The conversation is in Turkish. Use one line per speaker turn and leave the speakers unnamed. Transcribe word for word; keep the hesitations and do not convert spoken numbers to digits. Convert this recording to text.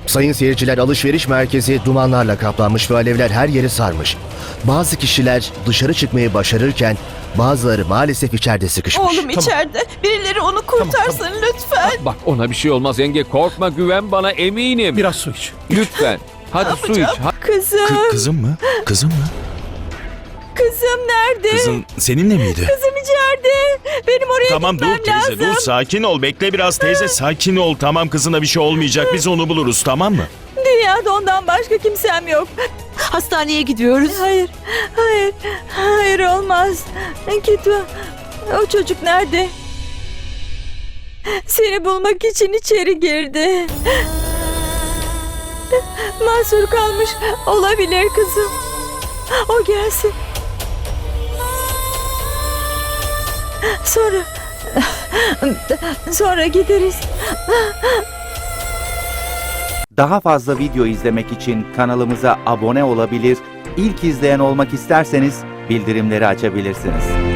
Sayın seyirciler, alışveriş merkezi dumanlarla kaplanmış ve alevler her yeri sarmış. Bazı kişiler dışarı çıkmayı başarırken bazıları maalesef içeride sıkışmış.
Oğlum içeride. Birileri onu kurtarsın lütfen.
Bak ona bir şey olmaz yenge. Korkma, güven bana, eminim.
Biraz su iç.
Lütfen. Hadi su iç. Ha-
Kızım,
Kı- kızım mı? Kızım mı?
kızım nerede?
Kızın seninle miydi?
Kızım içeride. Benim oraya
Tamam dur
gitmem
teyze
lazım.
dur sakin ol bekle biraz teyze sakin ol tamam kızına bir şey olmayacak biz onu buluruz tamam mı?
Dünyada ondan başka kimsem yok.
Hastaneye gidiyoruz.
Hayır, hayır, hayır olmaz. Gitme. O çocuk nerede? Seni bulmak için içeri girdi. Mahsur kalmış olabilir kızım. O gelsin. Sonra... Sonra gideriz.
Daha fazla video izlemek için kanalımıza abone olabilir, ilk izleyen olmak isterseniz bildirimleri açabilirsiniz.